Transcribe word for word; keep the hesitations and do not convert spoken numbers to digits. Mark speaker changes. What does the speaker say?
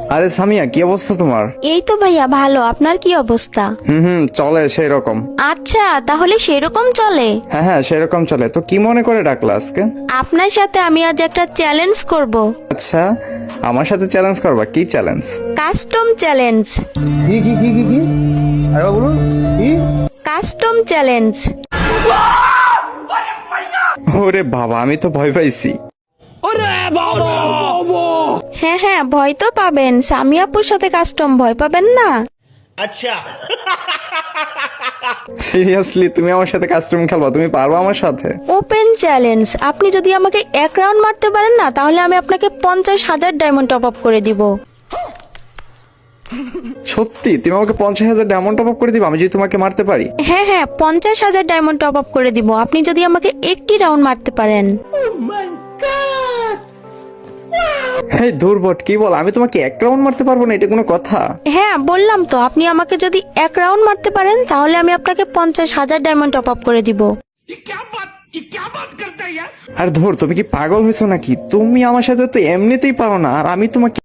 Speaker 1: আরে সামিয়া, কি অবস্থা তোমার?
Speaker 2: এই তো ভাইয়া ভালো, আপনার কি অবস্থা?
Speaker 1: হুম হুম চলে সেই রকম।
Speaker 2: আচ্ছা, তাহলে সেরকম চলে।
Speaker 1: হ্যাঁ হ্যাঁ সেরকম চলে। তো কি মনে করে ডাকলা আজকে?
Speaker 2: আপনার সাথে আমি আজ একটা চ্যালেঞ্জ করব।
Speaker 1: আচ্ছা, আমার সাথে চ্যালেঞ্জ করবা? কি চ্যালেঞ্জ?
Speaker 2: Custom challenge.
Speaker 3: কি কি কি কি কি আরে বলুন কি?
Speaker 2: Custom challenge.
Speaker 1: ওরে বাবা, আমি তো ভয় পাইছি।
Speaker 2: হ্যাঁ হ্যাঁ ভয় তো পাবেন, সামিয়া আপুর সাথে কাস্টম, ভয় পাবেন না।
Speaker 1: সিরিয়াসলি তুমি আমার সাথে কাস্টম খেলবা? তুমি পারবা আমার সাথে?
Speaker 2: Open challenge. আপনি যদি আমাকে এক রাউন্ড মারতে পারেন না, তাহলে আমি আপনাকে পঞ্চাশ হাজার ডায়মন্ড টপ আপ করে দিব।
Speaker 1: সত্যি তুমি আমাকে পঞ্চাশ হাজার ডায়মন্ড টপ আপ করে দিবা আমি যদি তোমাকে মারতে পারি?
Speaker 2: হ্যাঁ হ্যাঁ পঞ্চাশ হাজার ডায়মন্ড টপ আপ করে দিব আপনি যদি আমাকে একটি রাউন্ড মারতে পারেন।
Speaker 1: হ্যাঁ দুর্বট, কি বল? আমি তোমাকে এক রাউন্ড মারতে পারবো না? এটা কোনো কথা?
Speaker 2: হ্যাঁ বললাম তো, আপনি আমাকে যদি এক রাউন্ড মারতে পারেন তাহলে আমি আপনাকে পঞ্চাশ হাজার ডায়মন্ড টপ আপ করে দিব।
Speaker 1: আর ধর, তুমি কি পাগল হয়েছো নাকি? তুমি আমার সাথে তো এমনিতেই পারো না, আর আমি তোমাকে